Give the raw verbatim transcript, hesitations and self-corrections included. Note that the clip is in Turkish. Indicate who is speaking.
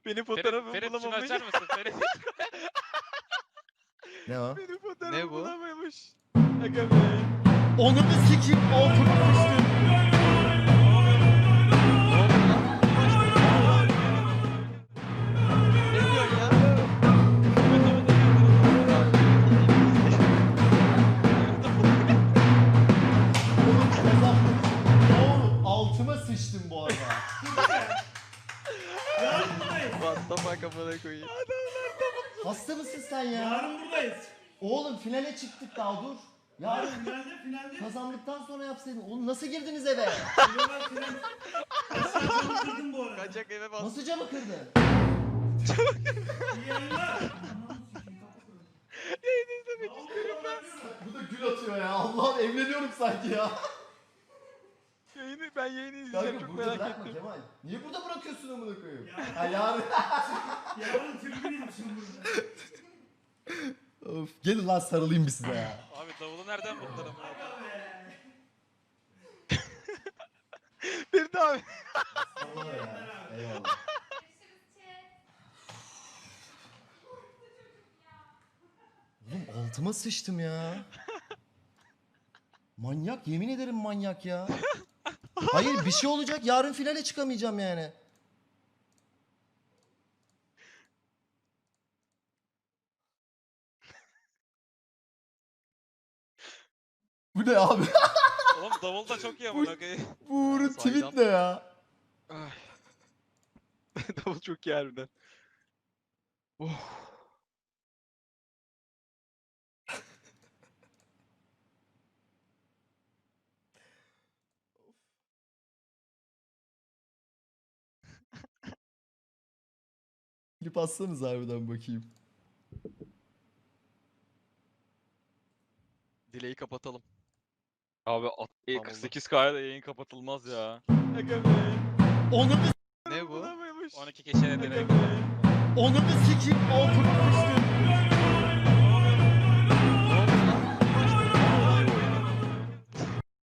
Speaker 1: Benim fotoğrafımı
Speaker 2: Ferit, Ferit şunu
Speaker 1: bulamamış.
Speaker 2: açar mısın Ferit?
Speaker 3: Ne o?
Speaker 1: Benim fotoğrafımı
Speaker 2: Ne bu?
Speaker 1: bulamamış. Aga be.
Speaker 3: Onu da sikeyim. Altıma sıçtım.
Speaker 2: Ne diyorsun ya?
Speaker 3: Oğlum kazandım. Oğlum altıma sıçtım bu arada.
Speaker 4: Yarın buradayız.
Speaker 2: What the fuck amına koyayım.
Speaker 3: Hasta mısın sen ya?
Speaker 4: Yarın buradayız.
Speaker 3: Oğlum finale çıktık daha dur. Yarın
Speaker 4: Yarın finalde finalde.
Speaker 3: kazandıktan sonra yapsaydın. Oğlum nasıl girdiniz eve?
Speaker 4: Final final. Aşağı camı kırdım bu arada.
Speaker 2: Kaçak eve bas.
Speaker 3: Nasıl camı kırdın?
Speaker 4: İyi yayınlar.
Speaker 1: Yayını izlemek istiyorum ben.
Speaker 3: Bu da gül atıyor ya. Allah'ım evleniyorum sanki ya.
Speaker 1: Yayını, ben yayını izleyeceğim,
Speaker 3: Kanka
Speaker 1: çok
Speaker 3: burada
Speaker 1: merak
Speaker 3: bırakma
Speaker 1: ettim.
Speaker 3: Kemal. Niye burada bırakıyorsun amına koyayım?
Speaker 4: Ya.
Speaker 3: Ha yarın.
Speaker 4: Yarın tribünüyüm şimdi burada.
Speaker 3: Of gelin lan sarılayım bir size ya.
Speaker 2: Abi davulu nereden buldular amına koyayım?
Speaker 1: Ferit abi.
Speaker 3: Allah ya. Eyvallah. Oğlum altıma sıçtım ya. Manyak, yemin ederim manyak ya. Hayır bir şey olacak, yarın finale çıkamayacağım yani. Bu ne abi?
Speaker 2: Oğlum davul da çok iyi amına koyayım.
Speaker 3: Bu Uğur'un
Speaker 2: Saydam.
Speaker 3: tweet ne ya?
Speaker 1: Ay. Davul çok iyi harbiden. Oh.
Speaker 3: Klip atsanız harbiden bakayım.
Speaker 2: Dileği kapatalım.
Speaker 1: Abi at- e,
Speaker 2: Tamam,
Speaker 1: kırk sekiz K'ya da yayın kapatılmaz ya. Aga be.
Speaker 3: Onu da
Speaker 2: Ne bu?
Speaker 1: Bulamamış.
Speaker 2: on iki kişiye
Speaker 1: Aga
Speaker 2: direkt.
Speaker 1: be.
Speaker 3: onu da sikeyim altıma sıçtım.